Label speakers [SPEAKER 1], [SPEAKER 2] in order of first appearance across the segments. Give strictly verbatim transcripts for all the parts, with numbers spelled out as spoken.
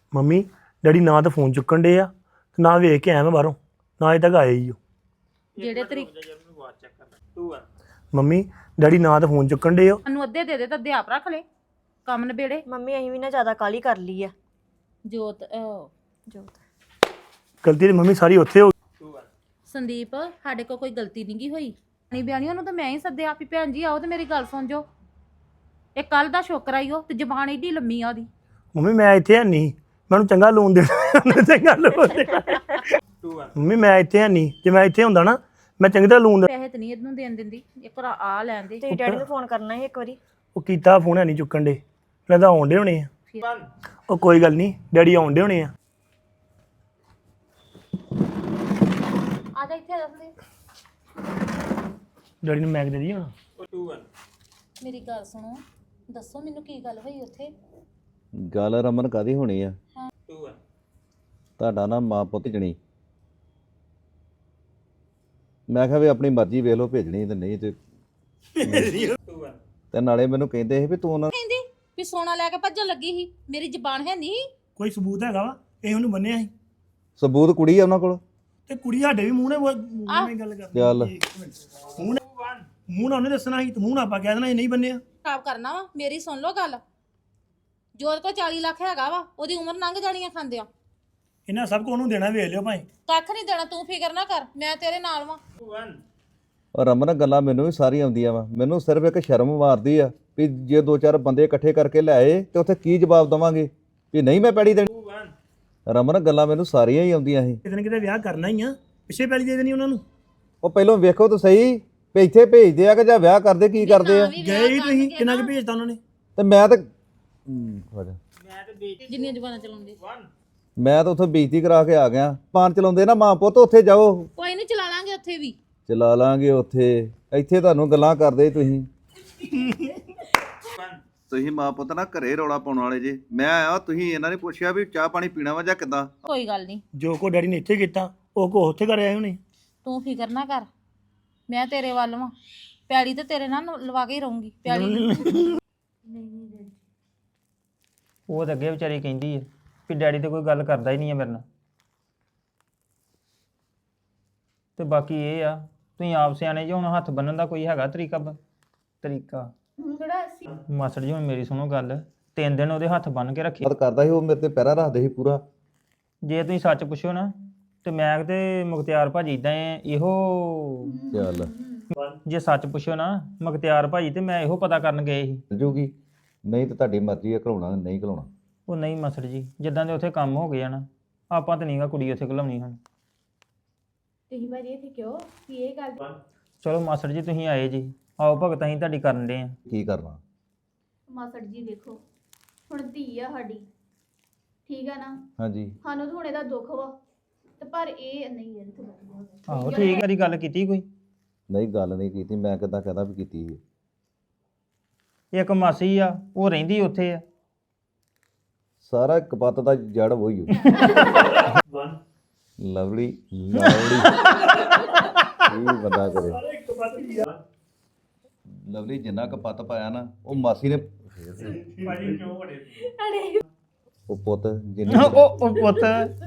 [SPEAKER 1] Mummy daddy ਨਾ ਤਾਂ phone ਚੁੱਕਣ ਡੇ ਆ ਤੇ ਨਾ ਵੇਖ ਕੇ ਆਇਆ ਮੈਂ ਬਾਹਰੋਂ ਨਾ ਅਜੇ ਤੱਕ ਆਏ ਹੀ ਹੋ
[SPEAKER 2] ਜਿਹੜੇ ਤਰੀਕੇ
[SPEAKER 1] ਮੰਮੀ ਡੈਡੀ ਨਾ ਤਾਂ ਫੋਨ ਚੁੱਕਣ ਡੇ ਹੋ
[SPEAKER 2] ਨੂੰ ਅੱਧੇ ਦੇ ਦੇ ਤਾਂ ਅੱਧੇ ਆਪ ਰੱਖ ਲੈ ਕੰਮ ਨਿਬੇੜੇ।
[SPEAKER 3] ਮੰਮੀ ਅਸੀਂ ਵੀ ਨਾ ਜ਼ਿਆਦਾ ਕਾਲੀ ਕਰ ਲਈ ਆ।
[SPEAKER 2] ਜੋਤ ਅਹ,
[SPEAKER 3] ਜੋਤ
[SPEAKER 1] ਗਲਤੀ ਤੇ ਮੰਮੀ ਸਾਰੀ ਉੱਥੇ ਹੋ
[SPEAKER 2] ਸੰਦੀਪ ਸਾਡੇ ਕੋਲ ਕੋਈ ਗਲਤੀ ਨਹੀਂ ਗਈ ਹੋਈ ਨਹੀਂ ਬਿਆਨੀ ਉਹਨੂੰ ਤਾਂ ਮੈਂ ਹੀ ਸੱਦਿਆ ਵੀ ਭੈਣ ਜੀ ਆਓ ਤੇ ਮੇਰੀ ਗੱਲ ਸੁਣ ਜੋ। ਇਹ ਕੱਲ ਦਾ ਸ਼ੋਕਰ ਆਈ ਉਹ ਤੇ ਜ਼ਬਾਨ ਏਡੀ ਲੰਮੀ ਆ ਉਹਦੀ।
[SPEAKER 1] ਮੰਮੀ ਮੈਂ ਇੱਥੇ ਹੈ ਨਹੀਂ ਮੈਨੂੰ ਚੰਗਾ ਲੋਨ ਦੇਣਾ ਚੰਗਾ ਲੋਨ ਦੇਣਾ ਮੰਮੀ ਮੈਂ ਇੱਥੇ ਹੈ ਨਹੀਂ ਜੇ ਮੈਂ ਇੱਥੇ ਹੁੰਦਾ ਨਾ ਮੈਂ ਚੰਗੀ ਤਰ੍ਹਾਂ ਲੋਨ
[SPEAKER 2] ਪੈਸੇ ਤੇ ਨਹੀਂ ਇਹਨੂੰ ਦੇਣ ਦਿੰਦੀ ਇੱਕ ਵਾਰ ਆ ਲੈਣ ਦੇ।
[SPEAKER 3] ਤੇ ਡੈਡੀ ਨੂੰ ਫੋਨ ਕਰਨਾ ਸੀ ਇੱਕ ਵਾਰੀ।
[SPEAKER 1] ਉਹ ਕੀਤਾ ਫੋਨ ਹੈ ਨਹੀਂ ਚੁੱਕਣ ਡੇ ਲੱਗਦਾ ਆਉਂਦੇ ਹੋਣੇ ਆ। ਉਹ ਕੋਈ ਗੱਲ ਨਹੀਂ ਡੈਡੀ ਆਉਂਦੇ ਹੋਣੇ ਆ।
[SPEAKER 2] ਆ ਜਾ ਇੱਥੇ ਦੱਸ ਦੇ
[SPEAKER 1] ਡੈਡੀ ਨੂੰ ਮੈਗ ਦੇ ਦੀ ਹੁਣ
[SPEAKER 2] ਮੇਰੀ ਗੱਲ ਸੁਣੋ ਦੱਸੋ ਮੈਨੂੰ ਕੀ ਗੱਲ ਹੋਈ ਉੱਥੇ।
[SPEAKER 4] ਗੱਲ ਰਮਨ ਕਾਦੀ ਹੋਣੀ ਆ ਤੁਹਾਡਾ ਨਾ ਮਾਂ ਪੁੱਤ ਜਣੀ ਮੈਂ ਕਿਹਾ ਵੀ ਆਪਣੀ ਮਰਜ਼ੀ ਵੇਖ ਲਓ ਭੇਜਣੀ ਤੇ ਨਹੀਂ ਤੇ ਤੇ ਨਾਲੇ ਮੈਨੂੰ ਕਹਿੰਦੇ ਸੀ ਵੀ ਤੂੰ ਉਹਨਾਂ
[SPEAKER 2] ਕਹਿੰਦੀ ਵੀ ਸੋਨਾ ਲੈ ਕੇ ਭੱਜਣ ਲੱਗੀ ਸੀ ਮੇਰੀ ਜ਼ਬਾਨ ਹੈ ਨਹੀਂ।
[SPEAKER 1] ਕੋਈ ਸਬੂਤ ਹੈਗਾ ਵਾ ਇਹ ਉਹਨੂੰ ਬੰਨਿਆ ਸੀ
[SPEAKER 4] ਸਬੂਤ ਕੁੜੀ ਆ ਉਹਨਾਂ ਕੋਲ
[SPEAKER 1] ਤੇ ਕੁੜੀ ਸਾਡੇ ਵੀ ਮੂੰਹ ਨੇ ਮੂੰਹ ਨਾਲ ਗੱਲ ਕਰਦੀ
[SPEAKER 4] ਚੱਲ
[SPEAKER 1] ਮੂੰਹ ਨੇ ਮੂੰਹ ਨਾਲ ਉਹਨੇ ਦੱਸਣਾ ਸੀ ਤੇ ਮੂੰਹ ਨਾਲ ਆਪਾਂ ਕਹਿ ਦੇਣਾ ਇਹ ਨਹੀਂ ਬੰਨਿਆ।
[SPEAKER 2] ਖਰਾਬ ਕਰਨਾ ਵਾ ਮੇਰੀ ਸੁਣ ਲਓ ਗੱਲ। ਜੋਤ ਕੋ ਚਾਲੀ ਲੱਖ ਹੈਗਾ ਵਾ ਉਹਦੀ ਉਮਰ ਲੰਘ ਜਾਣੀਆਂ ਖਾਂਦਿਆਂ।
[SPEAKER 1] ਇਹਨਾਂ ਸਭ ਕੋ ਉਹਨੂੰ ਦੇਣਾ ਵੇਖ ਲਿਓ ਭਾਈ।
[SPEAKER 2] ਕੱਖ ਨਹੀਂ ਦੇਣਾ ਤੂੰ ਫਿਕਰ ਨਾ ਕਰ ਮੈਂ ਤੇਰੇ ਨਾਲ ਵਾਂ।
[SPEAKER 4] ਔਰ ਰਮਨ ਗੱਲਾਂ ਮੈਨੂੰ ਵੀ ਸਾਰੀਆਂ ਆਉਂਦੀਆਂ ਵਾ ਮੈਨੂੰ ਸਿਰਫ ਇੱਕ ਸ਼ਰਮ ਮਾਰਦੀ ਆ ਵੀ ਜੇ ਦੋ ਚਾਰ ਬੰਦੇ ਇਕੱਠੇ ਕਰਕੇ ਲਿਆਏ ਤੇ ਉੱਥੇ ਕੀ ਜਵਾਬ ਦਵਾਂਗੇ ਵੀ ਨਹੀਂ ਮੈਂ ਪੈੜੀ ਦੇਣੀ। ਰਮਨ ਗੱਲਾਂ ਮੈਨੂੰ ਸਾਰੀਆਂ ਹੀ ਆਉਂਦੀਆਂ ਸੀ।
[SPEAKER 1] ਕਿਤੇ ਨਾ ਕਿਤੇ ਵਿਆਹ ਕਰਨਾ ਹੀ ਆ ਪਿੱਛੇ ਪੈਲੀ ਦੇ ਦੇਣੀ ਉਹਨਾਂ ਨੂੰ।
[SPEAKER 4] ਉਹ ਪਹਿਲਾਂ ਵੇਖੋ ਤਾਂ ਸਹੀ ਵੀ ਇੱਥੇ ਭੇਜਦੇ ਆ ਕਿ ਜਾਂ ਵਿਆਹ ਕਰਦੇ ਕੀ ਕਰਦੇ ਆ।
[SPEAKER 1] ਗਏ ਹੀ ਤੁਸੀਂ ਕਿੰਨਾ ਕੁ ਭੇਜਤਾ ਉਹਨਾਂ ਨੇ।
[SPEAKER 4] ਤੇ ਮੈਂ ਤਾਂ ਹਮ, ਹੋ ਜਾ।
[SPEAKER 2] ਜਿੰਨੀਆਂ ਜ਼ਬਾਨਾਂ ਚਲਾਉਂਦੇ
[SPEAKER 4] ਮੈਂ ਤਾਂ ਉੱਥੇ ਬੇਇੱਜ਼ਤੀ ਕਰਾ ਕੇ ਆ ਗਿਆ। ਪਾਨ ਚਲਾਉਂਦੇ ਨਾ ਮਾਂ ਪੁੱਤ ਉੱਥੇ ਜਾਓ
[SPEAKER 2] ਕੋਈ ਨਹੀਂ ਚਲਾ ਲਾਂਗੇ ਉੱਥੇ ਵੀ।
[SPEAKER 4] ਚਲਾ ਲਾਂਗੇ ਉੱਥੇ ਇੱਥੇ ਤੁਹਾਨੂੰ ਗੱਲਾਂ ਕਰਦੇ ਤੁਸੀਂ ਤੁਸੀਂ ਮਾਂ ਪੁੱਤ ਨਾ ਘਰੇ ਰੌਲਾ ਪਾਉਣ ਵਾਲੇ ਜੇ। ਮੈਂ ਆਇਆ ਤੁਸੀਂ ਇਹਨਾਂ ਨੇ ਪੁੱਛਿਆ ਵੀ ਚਾਹ ਪਾਣੀ ਪੀਣਾ ਵਾ ਜਾਂ ਕਿੱਦਾਂ।
[SPEAKER 2] ਕੋਈ ਗੱਲ ਨਹੀਂ
[SPEAKER 1] ਜੋ ਕੋ ਡੈਡੀ ਨੇ ਇੱਥੇ ਕੀਤਾ ਉਹ ਕੋ ਉੱਥੇ ਕਰ ਆਏ ਹੋਣੇ।
[SPEAKER 2] ਤੂੰ ਫਿਕਰ ਨਾ ਕਰ ਮੈਂ ਤੇਰੇ ਵੱਲ ਵਾਂ। ਪੈੜੀ ਤੇ ਤੇਰੇ ਨਾਲ ਲਵਾ ਕੇ ਹੀ ਰਹੂੰਗੀ ਪੈੜੀ।
[SPEAKER 5] ਉਹ ਤਾਂ ਅੱਗੇ ਵਿਚਾਰੀ ਕਹਿੰਦੀ ਹੈ ਵੀ ਡੈਡੀ ਤੇ ਕੋਈ ਗੱਲ ਕਰਦਾ ਹੀ ਨਹੀਂ ਹੈ ਮੇਰੇ ਨਾਲ। ਤੇ ਬਾਕੀ ਇਹ ਆ ਤੁਸੀਂ ਆਪ ਸਿਆਣੇ ਜੇ ਹੁਣ ਹੱਥ ਬੰਨਣ ਦਾ ਕੋਈ ਹੈਗਾ ਤਰੀਕਾ ਬ- ਤਰੀਕਾ ਮਾਸੜ ਜੀ ਹੁਣ ਮੇਰੀ ਸੁਣੋ ਗੱਲ। ਤਿੰਨ ਦਿਨ ਉਹਦੇ ਹੱਥ ਬੰਨ ਕੇ ਰੱਖੇ।
[SPEAKER 4] ਬਾਤ ਕਰਦਾ ਸੀ ਉਹ ਮੇਰੇ ਤੇ ਪੈਰਾ ਰੱਖਦੇ ਸੀ ਪੂਰਾ।
[SPEAKER 5] ਜੇ ਤੁਸੀਂ ਸੱਚ ਪੁੱਛੋ ਨਾ ਤੇ ਮੈਂ ਤੇ ਮੁਖਤਿਆਰ ਭਾਜੀ ਇਦਾਂ ਇਹੋ
[SPEAKER 4] ਚੱਲ
[SPEAKER 5] ਜੇ ਸੱਚ ਪੁੱਛੋ ਨਾ ਮੁਖਤਿਆਰ ਭਾਜੀ ਤੇ ਮੈਂ ਇਹੋ ਪਤਾ ਕਰਨ ਗਏ ਸੀ।
[SPEAKER 4] ਜੂਗੀ ਨਹੀਂ ਤਾਂ ਤੁਹਾਡੀ ਮਰਜ਼ੀ ਹੈ ਘਲਾਉਣਾ ਨਹੀਂ ਘਲਾਉਣਾ।
[SPEAKER 5] ਉਹ ਨਹੀਂ ਮਾਸੜ ਜੀ ਜਿੱਦਾਂ ਦੇ ਉੱਥੇ ਕੰਮ ਹੋ ਗਏ ਆ ਨਾ ਆਪਾਂ ਤਾਂ ਨਹੀਂਗਾ ਕੁੜੀ ਉੱਥੇ ਘਲਾਉਣੀ ਹੁਣ।
[SPEAKER 6] ਤੁਸੀਂ ਭਾਜੀ ਇੱਥੇ ਕਿਉਂ ਕੀ ਇਹ ਗੱਲ
[SPEAKER 5] ਚਲੋ ਮਾਸੜ ਜੀ ਤੁਸੀਂ ਆਏ ਜੀ ਆਓ ਭਗਤ ਅਸੀਂ ਤੁਹਾਡੀ ਕਰਨ ਦੇ ਆ।
[SPEAKER 4] ਕੀ ਕਰਨਾ
[SPEAKER 6] ਮਾਸੜ ਜੀ ਦੇਖੋ ਹੁਣ ਧੀ ਆ ਸਾਡੀ ਠੀਕ ਆ ਨਾ
[SPEAKER 4] ਹਾਂਜੀ
[SPEAKER 6] ਸਾਨੂੰ ਤਾਂ ਹੁਣ ਇਹਦਾ ਦੁੱਖ ਵਾ ਤੇ ਪਰ ਇਹ ਨਹੀਂ ਇਹ ਤੇ ਵਧੀਆ
[SPEAKER 5] ਆਹੋ ਠੀਕ ਵਾਰੀ ਗੱਲ ਕੀਤੀ ਕੋਈ।
[SPEAKER 4] ਨਹੀਂ ਗੱਲ ਨਹੀਂ ਕੀਤੀ ਮੈਂ ਕਿੱਦਾਂ ਕਹਦਾ ਵੀ ਕੀਤੀ ਸੀ।
[SPEAKER 5] ਇੱਕ ਮਾਸੀ ਆ ਉਹ ਰਹਿੰਦੀ ਉੱਥੇ ਆ।
[SPEAKER 4] ਸਾਰਾ ਕਪੱਤ ਦਾ ਜੜ ਵਹੀ ਹੋ ਲਵਲੀ ਲਵਲੀ ਇਹ ਬੰਦਾ ਕਰੇ ਲਵਲੀ ਜਿੰਨਾ ਕਪੱਤ ਪਾਇਆ ਨਾ ਉਹ ਮਾਸੀ ਨੇ ਉਹ ਪੁੱਤ ਜਿੰਨੀ
[SPEAKER 5] ਉਹ ਉਹ ਪੁੱਤ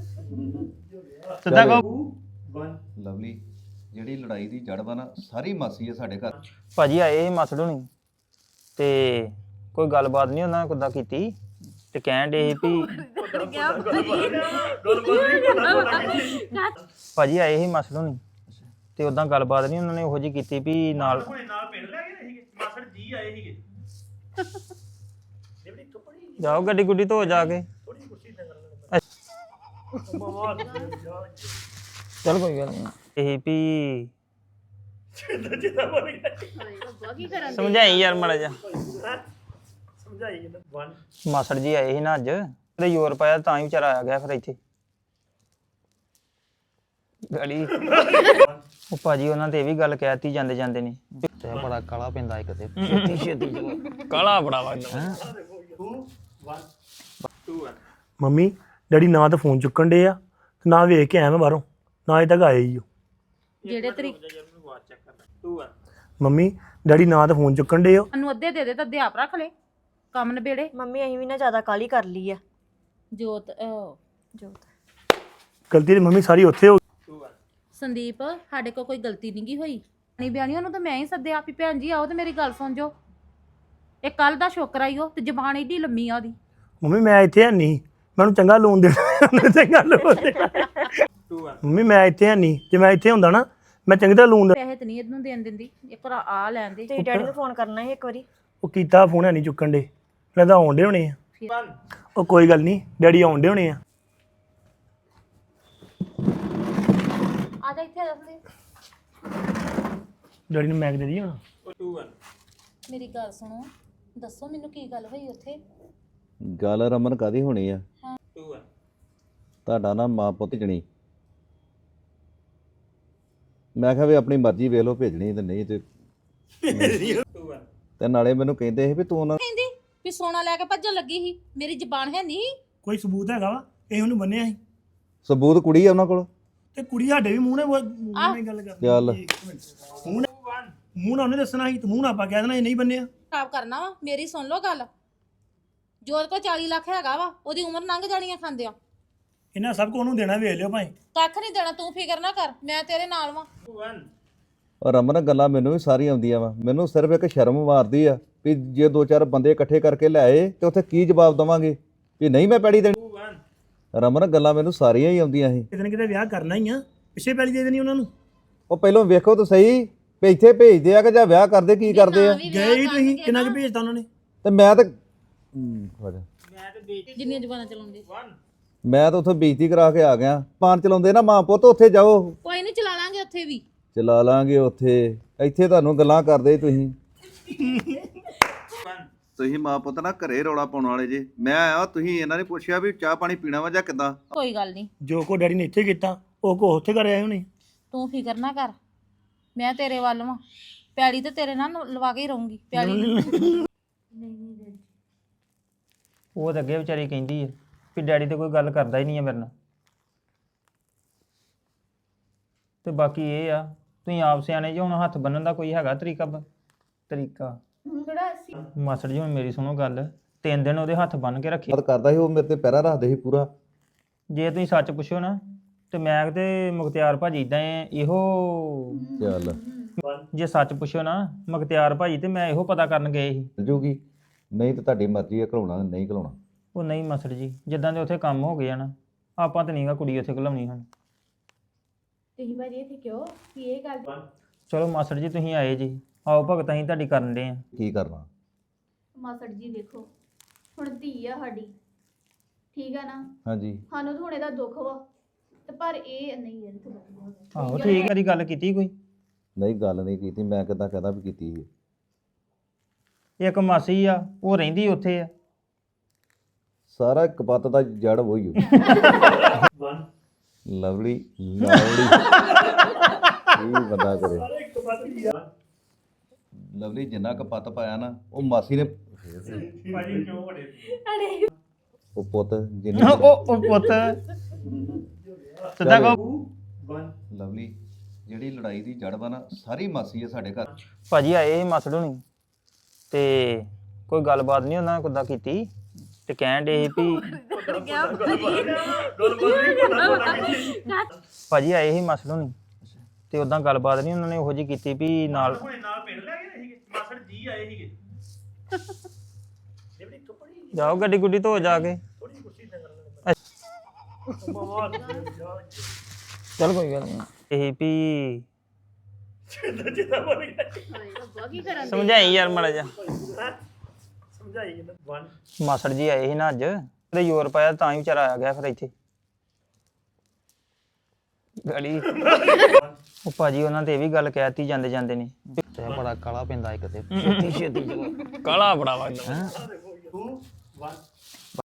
[SPEAKER 5] ਸਿੱਧਾ ਕਹੋ।
[SPEAKER 4] ਲਵਲੀ ਜਿਹੜੀ ਲੜਾਈ ਦੀ ਜੜ ਵਾ ਨਾ ਸਾਰੀ ਮਾਸੀ ਹੈ ਸਾਡੇ ਘਰ।
[SPEAKER 5] ਭਾਜੀ ਆਏ ਸੀ ਮਾਸੜ ਹੁਣੀ ਤੇ ਕੋਈ ਗੱਲਬਾਤ ਨਹੀਂ ਉਹਨਾਂ ਨੇ ਕੁੱਦਾਂ ਕੀਤੀ ਤੇ ਕਹਿਣ ਦੇ ਸੀ ਵੀ ਭਾਜੀ ਆਏ ਸੀ ਮਾਸੜ ਹੁਣੀ ਤੇ ਉਦਾਂ ਗੱਲਬਾਤ ਨਹੀਂ ਉਹਨਾਂ ਨੇ ਉਹੋ ਜਿਹੀ ਕੀਤੀ ਵੀ ਨਾਲ ਜਾਓ ਗੱਡੀ ਗੁੱਡੀ ਧੋ ਜਾ ਕੇ। ਚਲ ਕੋਈ ਗੱਲ ਨਹੀਂ ਇਹ ਵੀ ਸਮਝਾਈ ਯਾਰ ਮਾੜਾ ਜਿਹਾ ਮਾਸੜ ਜੀ ਆਏ ਸੀ ਨਾ ਅੱਜ ਤੇ ਯੂਰਪ ਆਇਆ ਤਾਂ ਹੀ ਵਿਚਾਰਾ ਆ ਗਿਆ ਫਿਰ ਇੱਥੇ ਗਲੀ ਉਹ ਭਾਜੀ ਉਹਨਾਂ ਤੇ ਇਹ ਵੀ ਗੱਲ ਕਹਿਤੀ ਜਾਂਦੇ ਜਾਂਦੇ ਨੇ ਤੇ ਬੜਾ ਕਾਲਾ ਪੈਂਦਾ ਇੱਕ ਤੇ ਛੇਤੀ ਛੇਤੀ ਕਾਲਾ ਬੜਾ ਵਗਦਾ।
[SPEAKER 1] ਮੰਮੀ ਡੈਡੀ ਨਾ ਤਾਂ ਫੋਨ ਚੁੱਕਣ ਡੇ ਆ ਤੇ ਨਾ ਵੇਖ ਕੇ ਆਇਆ ਮੈਂ ਬਾਹਰੋਂ ਨਾ ਅਜੇ ਤੱਕ ਆਏ ਹੀ ਹੋ
[SPEAKER 2] ਜਿਹੜੇ ਤਰੀਕੇ
[SPEAKER 1] ਮੰਮੀ ਡੈਡੀ ਨਾ ਤਾਂ ਫੋਨ ਚੁੱਕਣ ਡੇ ਹੋ
[SPEAKER 2] ਨੂੰ ਅੱਧੇ ਦੇ ਦੇ ਤਾਂ ਅੱਧੇ ਆਪ ਰੱਖ ਲੈ ਕੰਮ ਨਿਬੇੜੇ।
[SPEAKER 3] ਮੰਮੀ ਅਸੀਂ ਵੀ ਨਾ ਜ਼ਿਆਦਾ ਕਾਲੀ ਕਰ ਲਈ ਆ।
[SPEAKER 2] ਜੋਤ ਅਹ,
[SPEAKER 3] ਜੋਤ
[SPEAKER 1] ਗਲਤੀ ਤੇ ਮੰਮੀ ਸਾਰੀ ਉੱਥੇ ਹੋ
[SPEAKER 2] ਸੰਦੀਪ ਸਾਡੇ ਕੋਲ ਕੋਈ ਗਲਤੀ ਨਹੀਂ ਗਈ ਹੋਈ ਨਹੀਂ ਬਿਆਨੀ ਉਹਨੂੰ ਤਾਂ ਮੈਂ ਹੀ ਸੱਦਿਆ ਵੀ ਭੈਣ ਜੀ ਆਓ ਤੇ ਮੇਰੀ ਗੱਲ ਸੁਣ ਜੋ ਇਹ ਕੱਲ ਦਾ ਸ਼ੋਕਰਾ ਹੀ ਉਹ ਤੇ ਜ਼ਬਾਨ ਏਡੀ ਲੰਮੀ ਆ ਉਹਦੀ
[SPEAKER 1] ਮੰਮੀ ਮੈਂ ਇੱਥੇ ਹੈ ਨਹੀਂ ਮੈਨੂੰ ਚੰਗਾ ਲੋਨ ਦੇਣਾ ਉਹਨੇ ਚੰਗਾ ਲੋਨ ਦੇਣਾ ਮੰਮੀ ਮੈਂ ਇੱਥੇ ਹੈ ਨਹੀਂ ਜੇ ਮੈਂ ਇੱਥੇ ਹੁੰਦਾ ਨਾ ਮੈਂ ਚੰਗੀ ਤਰ੍ਹਾਂ ਲੋਨ
[SPEAKER 2] ਪੈਸੇ ਤੇ ਨਹੀਂ ਇਹਨੂੰ ਦੇਣ ਦਿੰਦੀ ਇੱਕ ਵਾਰ ਆ ਲੈਣ ਦੇ
[SPEAKER 3] ਤੇ ਡੈਡੀ ਨੂੰ ਫੋਨ ਕਰਨਾ ਸੀ ਇੱਕ ਵਾਰੀ
[SPEAKER 1] ਉਹ ਕੀਤਾ ਫੋਨ ਹੈ ਨਹੀਂ ਚੁੱਕਣ ਦੇ ਲੱਗਦਾ ਆਉਣ ਦੇ ਹੋਣੇ ਆ ਉਹ ਕੋਈ ਗੱਲ ਨਹੀਂ ਡੈਡੀ ਆਉਣ ਦੇ ਹੋਣੇ ਆ
[SPEAKER 2] ਆ ਜਾ ਇੱਥੇ ਆ ਜਾ ਸੰਦੀਪ
[SPEAKER 1] ਡੈਡੀ ਨੂੰ ਮੈਗ ਦੇ ਦੀ ਹੁਣ
[SPEAKER 2] ਮੇਰੀ ਗੱਲ ਸੁਣੋ ਦੱਸੋ ਮੈਨੂੰ ਕੀ ਗੱਲ ਹੋਈ ਉੱਥੇ
[SPEAKER 4] ਗੱਲ ਰਮਨ ਕਾਦੀ ਹੋਣੀ ਆ ਤੁਹਾਡਾ ਨਾ ਮਾਂ ਪੁੱਤ ਜਣੀ ਮੈਂ ਕਿਹਾ ਵੀ ਆਪਣੀ ਮਰਜ਼ੀ ਵੇਖ ਲਓ ਭੇਜਣੀ ਤੇ ਨਹੀਂ ਤੇ ਤੇ ਨਾਲੇ ਮੈਨੂੰ ਕਹਿੰਦੇ ਸੀ ਵੀ ਤੂੰ ਉਹਨਾਂ
[SPEAKER 2] ਕਹਿੰਦੀ ਵੀ ਸੋਨਾ ਲੈ ਕੇ ਭੱਜਣ ਲੱਗੀ ਸੀ ਮੇਰੀ ਜ਼ਬਾਨ ਹੈ ਨਹੀਂ
[SPEAKER 1] ਕੋਈ ਸਬੂਤ ਹੈਗਾ ਵਾ ਇਹ ਉਹਨੂੰ ਬੰਨਿਆ ਸੀ
[SPEAKER 4] ਸਬੂਤ ਕੁੜੀ ਆ ਉਹਨਾਂ ਕੋਲ
[SPEAKER 1] ਤੇ ਕੁੜੀ ਸਾਡੇ ਵੀ ਮੂੰਹ ਨੇ ਮੂੰਹ ਨਾਲ ਗੱਲ ਕਰਨੀ
[SPEAKER 4] ਚੱਲ
[SPEAKER 1] ਮੂੰਹ ਨੇ ਮੂੰਹ ਨਾਲ ਉਹਨੇ ਦੱਸਣਾ ਸੀ ਤੇ ਮੂੰਹ ਨਾਲ ਆਪਾਂ ਕਹਿ ਦੇਣਾ ਇਹ ਨਹੀਂ ਬੰਨਿਆ
[SPEAKER 2] ਖਰਾਬ ਕਰਨਾ ਵਾ ਮੇਰੀ ਸੁਣ ਲਓ ਗੱਲ ਜੋਤ ਕੋ ਚਾਲੀ ਲੱਖ ਹੈਗਾ ਵਾ ਉਹਦੀ ਉਮਰ ਲੰਘ ਜਾਣੀ ਆ ਖਾਂਦਿਆਂ
[SPEAKER 1] ਇਹਨਾਂ ਸਭ ਕੋ ਉਹਨੂੰ ਦੇਣਾ ਵੇਖ ਲਿਓ ਭਾਈ
[SPEAKER 2] ਕੱਖ ਨਹੀਂ ਦੇਣਾ ਤੂੰ ਫਿਕਰ ਨਾ ਕਰ ਮੈਂ ਤੇਰੇ ਨਾਲ ਵਾਂ
[SPEAKER 4] ਔਰ ਰਮਨ ਗੱਲਾਂ ਮੈਨੂੰ ਵੀ ਸਾਰੀਆਂ ਆਉਂਦੀਆਂ ਵਾ ਮੈਨੂੰ ਸਿਰਫ ਇੱਕ ਸ਼ਰਮ ਮਾਰਦੀ ਆ ਵੀ ਜੇ ਦੋ ਚਾਰ ਬੰਦੇ ਇਕੱਠੇ ਕਰਕੇ ਲਿਆਏ ਤੇ ਉੱਥੇ ਕੀ ਜਵਾਬ ਦਵਾਂਗੇ ਵੀ ਨਹੀਂ ਮੈਂ ਪੈੜੀ ਦੇਣੀ ਰਮਨ ਗੱਲਾਂ ਮੈਨੂੰ ਸਾਰੀਆਂ ਹੀ ਆਉਂਦੀਆਂ ਸੀ
[SPEAKER 1] ਕਿਤੇ ਨਾ ਕਿਤੇ ਵਿਆਹ ਕਰਨਾ ਹੀ ਆ ਪਿੱਛੇ ਪੈਲੀ ਦੇ ਦੇਣੀ ਉਹਨਾਂ ਨੂੰ
[SPEAKER 4] ਉਹ ਪਹਿਲਾਂ ਵੇਖੋ ਤਾਂ ਸਹੀ ਵੀ ਇੱਥੇ ਭੇਜਦੇ ਆ ਕਿ ਜਾਂ ਵਿਆਹ ਕਰਦੇ ਕੀ ਕਰਦੇ ਆ
[SPEAKER 1] ਗਏ ਹੀ ਤੁਸੀਂ ਕਿੰਨਾ ਕੁ ਭੇਜਤਾ ਉਹਨਾਂ ਨੇ
[SPEAKER 4] ਤੇ ਮੈਂ ਤਾਂ ਹਮ, ਹੋ ਜਾ।
[SPEAKER 2] ਜਿੰਨੀਆਂ ਜ਼ਬਾਨਾਂ ਚਲਾਉਂਦੇ
[SPEAKER 4] ਮੈਂ ਤਾਂ ਉੱਥੇ ਬੇਇੱਜ਼ਤੀ ਕਰਾ ਕੇ ਆ ਗਿਆ ਪਾਨ ਚਲਾਉਂਦੇ ਨਾ ਮਾਂ ਪੁੱਤ ਉੱਥੇ ਜਾਓ
[SPEAKER 2] ਕੋਈ ਨਹੀਂ ਚਲਾ ਲਾਂਗੇ ਉੱਥੇ ਵੀ
[SPEAKER 4] ਚਲਾ ਲਾਂਗੇ ਉੱਥੇ ਇੱਥੇ ਤੁਹਾਨੂੰ ਗੱਲਾਂ ਕਰਦੇ ਤੁਸੀਂ ਤੁਸੀਂ ਮਾਂ ਪੁੱਤ ਨਾ ਘਰੇ ਰੌਲਾ ਪਾਉਣ ਵਾਲੇ ਜੇ ਮੈਂ ਆਇਆ ਤੁਸੀਂ ਇਹਨਾਂ ਨੇ ਪੁੱਛਿਆ ਵੀ ਚਾਹ ਪਾਣੀ ਪੀਣਾ ਵਾ ਜਾਂ ਕਿੱਦਾਂ
[SPEAKER 2] ਕੋਈ ਗੱਲ ਨਹੀਂ
[SPEAKER 1] ਜੋ ਕੋ ਡੈਡੀ ਨੇ ਇੱਥੇ ਕੀਤਾ ਉਹ ਕੋ ਉੱਥੇ ਕਰ ਆਏ ਹੋਣੇ
[SPEAKER 2] ਤੂੰ ਫਿਕਰ ਨਾ ਕਰ ਮੈਂ ਤੇਰੇ ਵੱਲ ਵਾਂ ਪੈੜੀ ਤੇ ਤੇਰੇ ਨਾਲ ਲਵਾ ਕੇ ਹੀ ਰਹੂੰਗੀ ਪੈੜੀ
[SPEAKER 5] ਉਹ ਤਾਂ ਅੱਗੇ ਵਿਚਾਰੀ ਕਹਿੰਦੀ ਹੈ ਵੀ ਡੈਡੀ ਤੇ ਕੋਈ ਗੱਲ ਕਰਦਾ ਹੀ ਨਹੀਂ ਹੈ ਮੇਰੇ ਨਾਲ ਤੇ ਬਾਕੀ ਇਹ ਆ ਤੁਸੀਂ ਆਪ ਸਿਆਣੇ ਜੇ ਹੁਣ ਹੱਥ ਬੰਨਣ ਦਾ ਕੋਈ ਹੈਗਾ ਤਰੀਕਾ ਬ- ਤਰੀਕਾ ਮਾਸੜ ਜੀ ਹੁਣ ਮੇਰੀ ਸੁਣੋ ਗੱਲ ਤਿੰਨ ਦਿਨ ਉਹਦੇ ਹੱਥ ਬੰਨ ਕੇ ਰੱਖੇ
[SPEAKER 4] ਬਾਤ ਕਰਦਾ ਸੀ ਉਹ ਮੇਰੇ ਤੇ ਪੈਰਾ ਰੱਖਦੇ ਸੀ ਪੂਰਾ
[SPEAKER 5] ਜੇ ਤੁਸੀਂ ਸੱਚ ਪੁੱਛੋ ਨਾ ਤੇ ਮੈਂ ਤੇ ਮੁਖਤਿਆਰ ਭਾਜੀ ਇਦਾਂ ਇਹੋ
[SPEAKER 4] ਚੱਲ
[SPEAKER 5] ਜੇ ਸੱਚ ਪੁੱਛੋ ਨਾ ਮੁਖਤਿਆਰ ਭਾਜੀ ਤੇ ਮੈਂ ਇਹੋ ਪਤਾ ਕਰਨ ਗਏ ਸੀ
[SPEAKER 4] ਜੂਗੀ ਨਹੀਂ ਤਾਂ ਤੁਹਾਡੀ ਮਰਜ਼ੀ ਹੈ ਘਲਾਉਣਾ ਨਹੀਂ ਘਲਾਉਣਾ
[SPEAKER 5] ਉਹ ਨਹੀਂ ਮਾਸੜ ਜੀ ਜਿੱਦਾਂ ਦੇ ਉੱਥੇ ਕੰਮ ਹੋ ਗਏ ਆ ਨਾ ਆਪਾਂ ਤਾਂ ਨਹੀਂਗਾ ਕੁੜੀ ਉੱਥੇ ਘਲਾਉਣੀ ਹਨ
[SPEAKER 6] ਤੁਸੀਂ ਭਾਜੀ ਇੱਥੇ ਕਿਉਂ ਕੀ ਇਹ ਗੱਲ
[SPEAKER 5] ਚਲੋ ਮਾਸੜ ਜੀ ਤੁਸੀਂ ਆਏ ਜੀ ਆਓ ਭਗਤ ਅਸੀਂ ਤੁਹਾਡੀ ਕਰਨ ਦੇ ਆ
[SPEAKER 4] ਕੀ ਕਰਨਾ
[SPEAKER 6] ਮਾਸੜ ਜੀ ਵੇਖੋ ਹੁਣ ਧੀ ਆ ਸਾਡੀ ਠੀਕ ਆ ਨਾ
[SPEAKER 4] ਹਾਂਜੀ
[SPEAKER 6] ਸਾਨੂੰ ਤਾਂ ਹੁਣ ਇਹਦਾ ਦੁੱਖ ਵਾ ਤੇ ਪਰ ਇਹ ਨਹੀਂ ਯਾਰ ਤੂੰ ਬੈਠ
[SPEAKER 5] ਆਹੋ ਠੀਕ ਹੈ ਦੀ ਗੱਲ ਕੀਤੀ ਕੋਈ
[SPEAKER 4] ਨਹੀਂ ਗੱਲ ਨਹੀਂ ਕੀਤੀ ਮੈਂ ਕਿੱਦਾਂ ਕਹਦਾ ਵੀ ਕੀਤੀ ਸੀ
[SPEAKER 5] ਇੱਕ ਮਾਸੀ ਆ ਉਹ ਰਹਿੰਦੀ ਉੱਥੇ ਆ
[SPEAKER 4] ਸਾਰਾ ਕਪੱਤ ਦਾ ਜੜ ਵਹੀ ਹੋ ਲਵਲੀ ਲਵਲੀ ਇਹ ਬੰਦਾ ਕਰੇ ਲਵਲੀ ਜਿੰਨਾ ਕਪੱਤ ਪਾਇਆ ਨਾ ਉਹ ਮਾਸੀ ਨੇ ਉਹ ਪੁੱਤ ਜਿੰਨੀ
[SPEAKER 5] ਉਹ ਉਹ ਪੁੱਤ ਸਿੱਧਾ ਕਹੋ
[SPEAKER 4] ਲਵਲੀ ਜਿਹੜੀ ਲੜਾਈ ਦੀ ਜੜ ਵਾ ਨਾ ਸਾਰੀ ਮਾਸੀ ਹੈ ਸਾਡੇ ਘਰ
[SPEAKER 5] ਭਾਜੀ ਆਏ ਸੀ ਮਾਸੜ ਹੁਣੀ ਤੇ ਕੋਈ ਗੱਲਬਾਤ ਨਹੀਂ ਉਹਨਾਂ ਨੇ ਕੁੱਦਾਂ ਕੀਤੀ ਤੇ ਕਹਿਣ ਡੇ ਵੀ ਭਾਜੀ ਆਏ ਸੀ ਮਾਸੜ ਹੁਣੀ ਤੇ ਉਦਾਂ ਗੱਲਬਾਤ ਨਹੀਂ ਉਹਨਾਂ ਨੇ ਉਹੋ ਜਿਹੀ ਕੀਤੀ ਵੀ ਨਾਲ
[SPEAKER 1] ਨਾਲ ਪਿੰਡ ਲੈ ਗਏ ਸੀਗੇ ਮਾਸੜ ਜੀ ਆਏ ਸੀਗੇ
[SPEAKER 5] ਜਾਓ ਗੱਡੀ ਗੁੱਡੀ ਧੋ ਜਾ ਕੇ ਚਲ ਕੋਈ ਗੱਲ ਨਹੀਂ ਇਹ ਵੀ ਸਮਝਾਈ ਯਾਰ ਮਾੜਾ ਜਾ
[SPEAKER 1] ਸਮਝਾਈ ਜਾਂਦਾ ਵਨ
[SPEAKER 5] ਮਾਸੜ ਜੀ ਆਏ ਸੀ ਨਾ ਅੱਜ ਤੇ ਯੂਰ ਪਾਇਆ ਤਾਂ ਹੀ ਵਿਚਾਰਾ ਆ ਗਿਆ ਫਿਰ ਇੱਥੇ ਗੜੀ ਉਹ ਭਾਜੀ ਉਹਨਾਂ ਤੇ ਇਹ ਵੀ ਗੱਲ ਕਹਿਤੀ ਜਾਂਦੇ ਜਾਂਦੇ ਨੇ ਤੇ ਬੜਾ ਕਾਲਾ ਪੈਂਦਾ ਇੱਕ ਤੇ ਛੇਤੀ ਛੇਤੀ ਕਾਲਾ ਬੜਾ ਵਗਦਾ
[SPEAKER 1] ਟੂ ਵਨ